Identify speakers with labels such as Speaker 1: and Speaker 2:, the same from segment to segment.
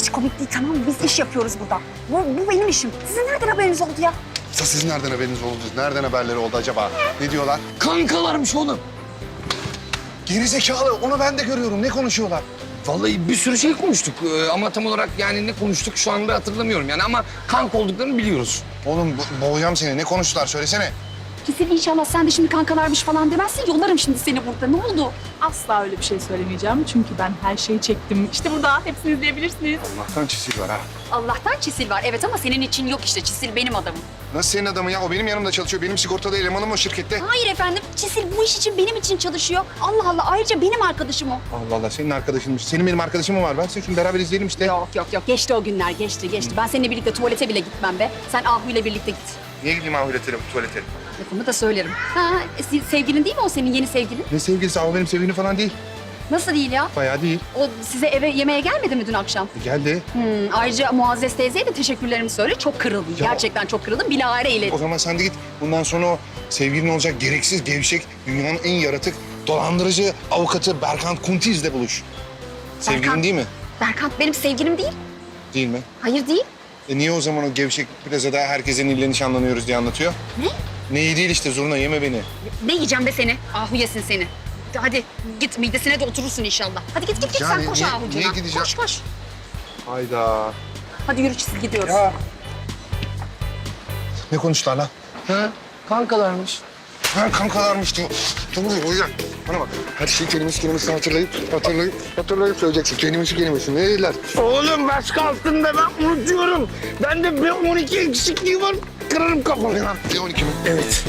Speaker 1: hiç komik değil, tamam mı? Biz iş yapıyoruz burada. Bu benim işim. Sizin nereden haberiniz oldu ya?
Speaker 2: Sizin nereden haberiniz oldu? Nereden haberleri oldu acaba? Ne diyorlar?
Speaker 3: Kankalarmış oğlum.
Speaker 2: Gerizekalı, onu ben de görüyorum. Ne konuşuyorlar?
Speaker 3: Vallahi bir sürü şey konuştuk ama tam olarak yani ne konuştuk şu anda hatırlamıyorum yani ama kanka olduklarını biliyoruz.
Speaker 2: Oğlum boğacağım seni. Ne konuştular? Söylesene.
Speaker 1: Kesin inşallah sen de şimdi kankalarmış falan demezsin. Yollarım şimdi seni burada. Ne oldu?
Speaker 4: Asla öyle bir şey söylemeyeceğim. Çünkü ben her şeyi çektim. İşte burada hepsini izleyebilirsiniz.
Speaker 2: Allah'tan çisil var ha.
Speaker 1: Allah'tan Çisil var. Evet ama senin için yok işte. Çisil benim adamım.
Speaker 2: Nasıl senin adamın ya? O benim yanımda çalışıyor. Benim sigortalı elemanım o şirkette.
Speaker 1: Hayır efendim. Çisil bu iş için benim için çalışıyor. Allah Allah. Ayrıca benim arkadaşım o.
Speaker 2: Allah Allah, senin arkadaşınmış. Senin benim arkadaşım mı var? Ben seni şunu beraber izleyelim işte.
Speaker 1: Yok. Geçti o günler. Geçti. Ben seninle birlikte tuvalete bile gitmem be. Sen Ahu ile birlikte git.
Speaker 2: Niye gideyim ahirete, tuvalete?
Speaker 1: Lafımı da söylerim. Sevgilin değil mi o senin yeni sevgilin?
Speaker 2: Ne sevgilisi? O benim sevgilim falan değil.
Speaker 1: Nasıl değil ya?
Speaker 2: Bayağı değil.
Speaker 1: O size eve yemeğe gelmedi mi dün akşam?
Speaker 2: Geldi.
Speaker 1: Ayrıca Muazzez teyzeye de teşekkürlerimi söyle. Çok kırıldım. Gerçekten çok kırıldım. Bilahare ileri.
Speaker 2: O zaman sen de git. Bundan sonra o sevgilin olacak gereksiz, gevşek, dünyanın en yaratık, dolandırıcı avukatı Berkant Kuntiz'le buluş. Sevgilin
Speaker 1: Berkant-
Speaker 2: değil mi?
Speaker 1: Berkant benim sevgilim değil.
Speaker 2: Değil mi?
Speaker 1: Hayır değil.
Speaker 2: Niye o zaman o gevşek plazada herkesin ille nişanlanıyoruz diye anlatıyor?
Speaker 1: Ne?
Speaker 2: Neyi değil işte, zurna yeme beni.
Speaker 1: Ne yiyeceğim be seni? Ahu yesin seni. Hadi git midesine de oturursun inşallah. Hadi git
Speaker 2: Ya
Speaker 1: sen koş
Speaker 2: niye
Speaker 1: Ahu'cuna.
Speaker 2: gideceğim?
Speaker 1: Koş.
Speaker 2: Hayda.
Speaker 1: Hadi yürü Çisil gidiyoruz.
Speaker 2: Ya. Ne konuştular lan?
Speaker 3: Ha? Kankalarmış.
Speaker 2: Ha, kankalarmış diyor. Tamam o yüzden. Bana bak. Her şeyi kelimesini hatırlayıp söyleyeceksin. Kelimesi. Ne dediler?
Speaker 3: Oğlum başka altında ben unutuyorum. Bende B12 eksikliği var. Kırarım kafanı.
Speaker 2: B12 mi?
Speaker 3: Evet.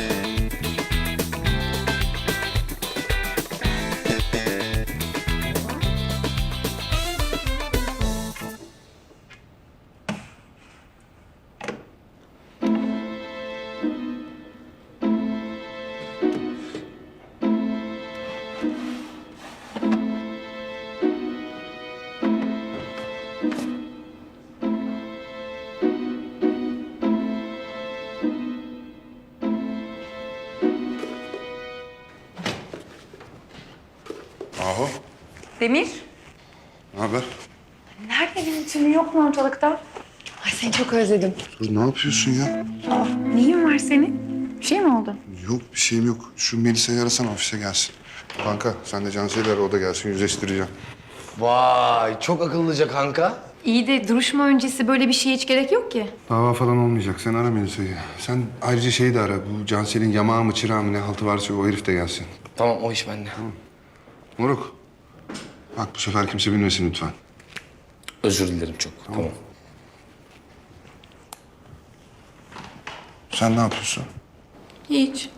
Speaker 2: Ahu.
Speaker 5: Demir,
Speaker 2: Ne haber?
Speaker 5: nerede benim tümü yok mu ortalıkta? Ay seni çok özledim.
Speaker 2: Dur, ne yapıyorsun ya?
Speaker 5: Neyin var senin? Bir şey mi oldu?
Speaker 2: Yok, bir şeyim yok. Şu Melisa'yı arasana, ofise gelsin. Kanka, sen de Cansel'i ara, o da gelsin. Yüzleştireceğim.
Speaker 3: Vay çok akıllıca kanka.
Speaker 5: İyi de duruşma öncesi böyle bir şeye hiç gerek yok ki.
Speaker 2: Dava falan olmayacak. Sen ara Melisa'yı. Sen ayrıca şeyi de ara. Bu Cansel'in yamağı mı, çırağı mı ne haltı varsa o herif de gelsin.
Speaker 3: Tamam o iş bende.
Speaker 2: Moruk. Bak bu sefer kimse bilmesin lütfen.
Speaker 3: Özür dilerim çok. Tamam.
Speaker 2: Sen ne yapıyorsun?
Speaker 5: Hiç.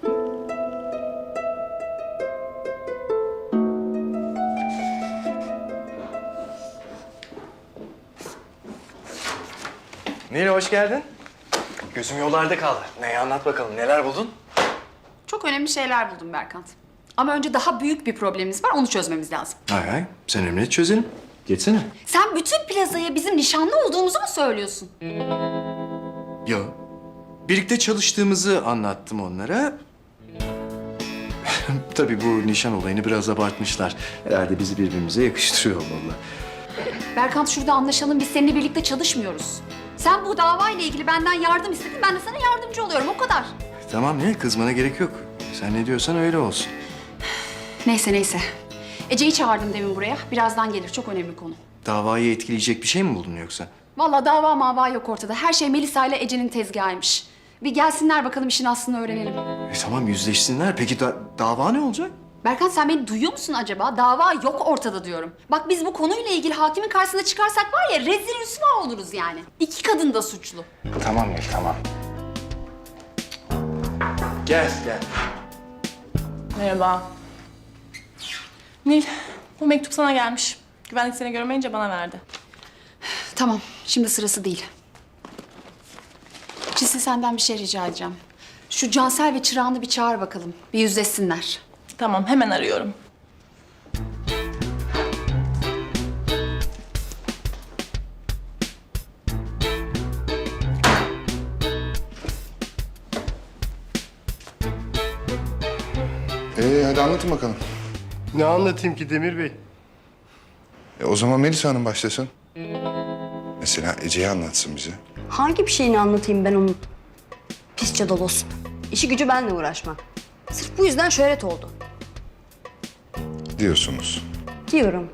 Speaker 6: Nil hoş geldin. Gözüm yollarda kaldı. Neyi anlat bakalım, neler buldun?
Speaker 1: Çok önemli şeyler buldum Berkant. Ama önce daha büyük bir problemimiz var. Onu çözmemiz lazım.
Speaker 6: Hay hay, sen emret çözelim. Geçsene.
Speaker 1: Sen bütün plazaya bizim nişanlı olduğumuzu mu söylüyorsun?
Speaker 6: Yo. Birlikte çalıştığımızı anlattım onlara. Tabii bu nişan olayını biraz abartmışlar. Herhalde bizi birbirimize yakıştırıyor olmalı.
Speaker 1: Berkant şurada anlaşalım. Biz seninle birlikte çalışmıyoruz. Sen bu davayla ilgili benden yardım istedin. Ben de sana yardımcı oluyorum. O kadar.
Speaker 6: Tamam Nil, kızmana gerek yok. Sen ne diyorsan öyle olsun.
Speaker 1: Neyse. Ece'yi çağırdım demin buraya. Birazdan gelir. Çok önemli konu.
Speaker 6: Davayı etkileyecek bir şey mi buldun yoksa?
Speaker 1: Vallahi dava mava yok ortada. Her şey Melisa ile Ece'nin tezgahıymış. Bir gelsinler bakalım işin aslını öğrenelim.
Speaker 6: Tamam yüzleşsinler. Peki dava ne olacak?
Speaker 1: Berkant sen beni duyuyor musun acaba? Dava yok ortada diyorum. Bak biz bu konuyla ilgili hakimin karşısına çıkarsak var ya rezil rüsva oluruz yani. İki kadın da suçlu.
Speaker 6: Tamam Nil, tamam. Gel.
Speaker 4: Merhaba. Nil, bu mektup sana gelmiş. Güvenlik seni görmeyince bana verdi.
Speaker 1: Tamam şimdi sırası değil. Çisil senden bir şey rica edeceğim. Şu Cansel ve Çırağan'ı bir çağır bakalım. Bir yüzleşsinler.
Speaker 4: Tamam, hemen arıyorum.
Speaker 2: Hadi anlatın bakalım.
Speaker 7: Ne anlatayım ki Demir Bey?
Speaker 2: O zaman Melisa Hanım başlasın. Mesela Ece'yi anlatsın bize.
Speaker 7: Hangi bir şeyini anlatayım ben onun? Pis çadolos. İşi gücü benimle uğraşmak. Sırf bu yüzden şöhret oldu.
Speaker 2: Diyorsunuz.
Speaker 7: Diyorum.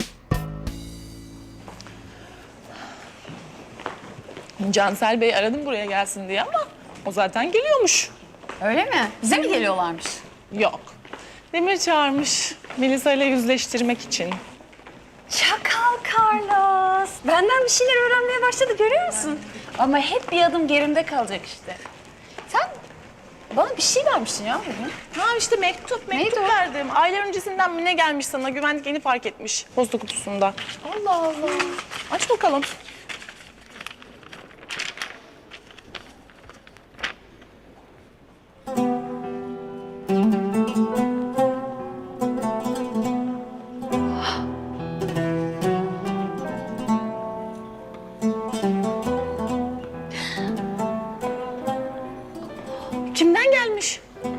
Speaker 4: Cansel Bey aradım buraya gelsin diye ama o zaten geliyormuş.
Speaker 1: Öyle mi? Bize mi geliyorlarmış?
Speaker 4: Yok. Demir çağırmış Melisa ile yüzleştirmek için.
Speaker 5: Şakal Carlos. Benden bir şeyler öğrenmeye başladı görüyor musun? Ama hep bir adım gerimde kalacak işte. Sen bana bir şey vermiştin ya bugün.
Speaker 4: Ha işte mektup verdim. Aylar öncesinden mi ne gelmiş sana? Güvenlik yeni fark etmiş posta kutusunda.
Speaker 5: Allah Allah.
Speaker 4: Aç bakalım. Kimden gelmiş?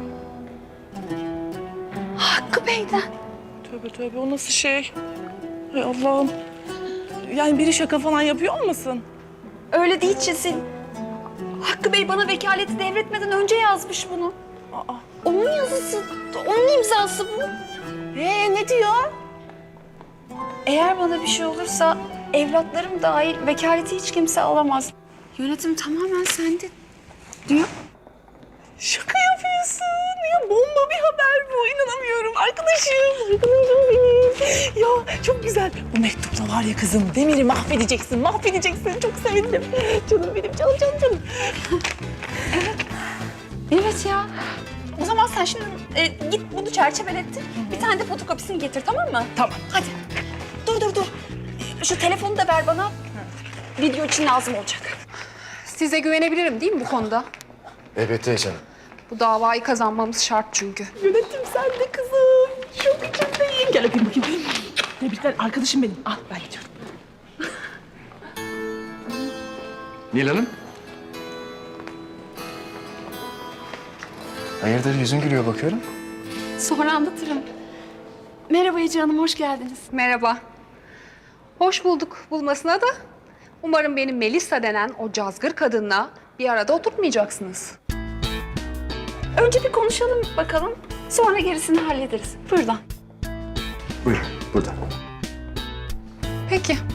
Speaker 5: Hakkı Bey'den.
Speaker 4: Tövbe tövbe o nasıl şey? Hay Allah'ım. Yani biri şaka falan yapıyor olmasın?
Speaker 5: Öyle değil Çesil. Hakkı Bey bana vekaleti devretmeden önce yazmış bunu.
Speaker 4: Aa.
Speaker 5: Onun yazısı, onun imzası bu.
Speaker 4: Ne diyor?
Speaker 5: Eğer bana bir şey olursa evlatlarım dahil vekaleti hiç kimse alamaz. Yönetim tamamen sende diyor.
Speaker 4: Şaka yapıyorsun. Ya bomba bir haber bu. İnanamıyorum. Arkadaşım benim. Ya çok güzel. Bu mektupla var ya kızım. Demir'i mahvedeceksin. Çok sevindim. Canım benim, canım.
Speaker 5: Evet ya. O zaman sen şimdi git bunu çerçevelettir. Bir tane de fotokopisini getir tamam mı?
Speaker 4: Tamam.
Speaker 5: Hadi. Dur. Şu telefonu da ver bana. Video için lazım olacak.
Speaker 1: Size güvenebilirim değil mi bu konuda?
Speaker 6: Elbette canım.
Speaker 1: Bu davayı kazanmamız şart çünkü.
Speaker 4: Yönetim sen de kızım. Çok içimdeyim. Gel öpeyim bakayım. Tebrikler arkadaşım benim. Al ben gidiyorum.
Speaker 6: Nil Hanım. Hayırdır yüzün gülüyor bakıyorum.
Speaker 1: Sonra anlatırım.
Speaker 5: Merhaba Ece Hanım, hoş geldiniz.
Speaker 8: Merhaba. Hoş bulduk bulmasına da. Umarım benim Melisa denen o cazgır kadınla bir arada oturtmayacaksınız.
Speaker 5: Önce bir konuşalım bakalım. Sonra gerisini hallederiz. Buyurun.
Speaker 6: Buyurun burada.
Speaker 8: Peki.